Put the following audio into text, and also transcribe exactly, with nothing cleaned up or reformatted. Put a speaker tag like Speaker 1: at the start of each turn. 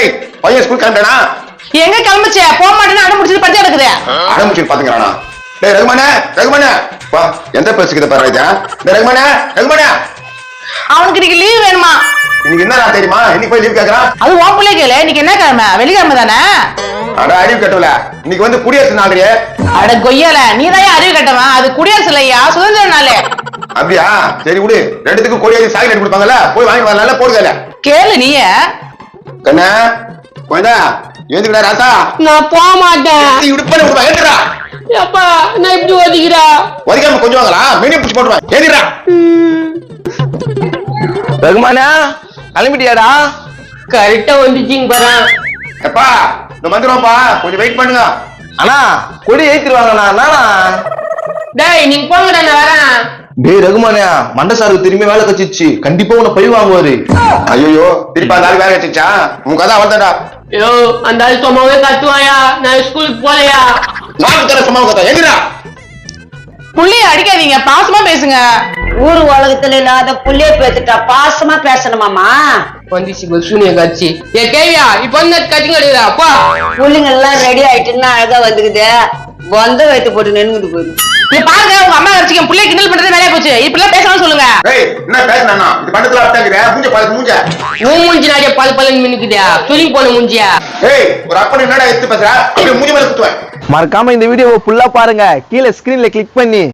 Speaker 1: டேய் பையன் ஸ்கூல் கிளம்பிட்டானா?
Speaker 2: எங்க கிளம்பிச்சே? போக மாட்டேன்னு அடம் முடிச்சது பத்தி எடுக்குது.
Speaker 1: அடம் முடிச்சு பாத்துக்கறானா? டேய் ரகுமானே ரகுமானே வா எந்த பேசிக்கிட்ட பாரு இதா. டேய் ரகுமானே ரகுமானே
Speaker 2: அவனுக்கு இன்னைக்கு லீவ் வேணுமா?
Speaker 1: இன்னைக்கு என்ன நாள் தெரியுமா? இன்னைக்கு போய் லீவ் கேக்குறான்.
Speaker 2: அது உன் பிள்ளை கேளு. இன்னைக்கு என்ன கிழமை? வெள்ளிக்கிழமை தானே?
Speaker 1: அட அறிவு கட்டல. இன்னைக்கு வந்து குடியரசு நாளையே.
Speaker 2: அட கொய்யால நீதான் அறிவு கட்டவன். அது குடியரசு இல்லையா, சுதந்திர நாள்.
Speaker 1: அப்படியா? சரி விடு. ரெண்டுத்துக்கும் கொடியாதி சாக்லேட் கொடுப்பாங்கல்ல, போய் வாங்கி வரல போடுதல.
Speaker 2: கேளு நீய.
Speaker 1: கண்ணா கொஞ்சா ஏந்துடா ராசா.
Speaker 3: நான் போக மாட்டேன்.
Speaker 1: நீ உடுப்பல உடுவா ஏந்துடா.
Speaker 3: அப்பா நான் இப்படி ஒதிக்கிறா.
Speaker 1: ஒதிக்காம கொஞ்சம் வாங்கடா. மீனி புடிச்சு போடுவா. ஏந்துடா.
Speaker 4: ரகுமானா கிளம்பிட்டியாடா?
Speaker 3: கரெக்டா வந்துச்சிங்க பாரு.
Speaker 1: எப்பா இந்த வந்துருவாப்பா, கொஞ்சம் வெயிட் பண்ணுங்க.
Speaker 4: அண்ணா கொடி ஏத்திடுவாங்கண்ணா. நானா
Speaker 3: டேய் நீங்க போங்கடா, நான் வரேன்.
Speaker 4: டேய் ரகுமானியா, மண்டசாருக்கு திரும்பி வேலை கச்சிச்சு. கண்டிப்பா உன்னை பழி வாங்குவாரு.
Speaker 1: ஐயோ திருப்பி அந்த ஆள் வேலை வச்சுச்சா? உங்க கதை அவள்தாடா.
Speaker 3: ஐயோ அந்த ஆள் சும்மாவே கத்துவாயா? நான் ஸ்கூலுக்கு போலையா?
Speaker 1: நான் தர சும்மா கதை ஏந்துடா.
Speaker 2: புள்ளைய அடிக்காதீங்க, பாசமா பேசுங்க.
Speaker 5: ஊர் உலகத்துல இல்லாத புள்ளைய பேத்துட்டா பாசமா பேசணுமாமா?
Speaker 3: வந்துச்சு சூனிய காட்சி. ஏ கேவியா இப்ப வந்து கட்டிங் அடிக்கிறா அப்பா.
Speaker 5: புள்ளைங்க எல்லாம் ரெடி ஆயிட்டுன்னா அழகா வந்துக்குது. பொந்த வைத்து போட்டு நின்னுட்டு போயிரு.
Speaker 2: நீ பாருங்க, உங்க அம்மா வச்சுக்க புள்ளைய கிண்டல் பண்றது வேலையா போச்சு. இப்பெல்லாம் பேசணும் சொல்லுங்க.
Speaker 1: டேய் என்ன பேசுனா? இது பண்டத்துல அட்டங்கற மூஞ்ச பாரு மூஞ்ச.
Speaker 3: உன் மூஞ்சி நாடிய பல பலன்னு மின்னுக்குதா? துணி போன மூஞ்சியா?
Speaker 1: ஏய் ஒரு அப்பன் என்னடா எடுத்து பேசுற? அப்படியே மூஞ்சி மேல குத்துவேன்.
Speaker 4: மறக்காம இந்த வீடியோவை ஃபுல்லா பாருங்க. கீழே ஸ்கிரீன்ல கிளிக் பண்ணி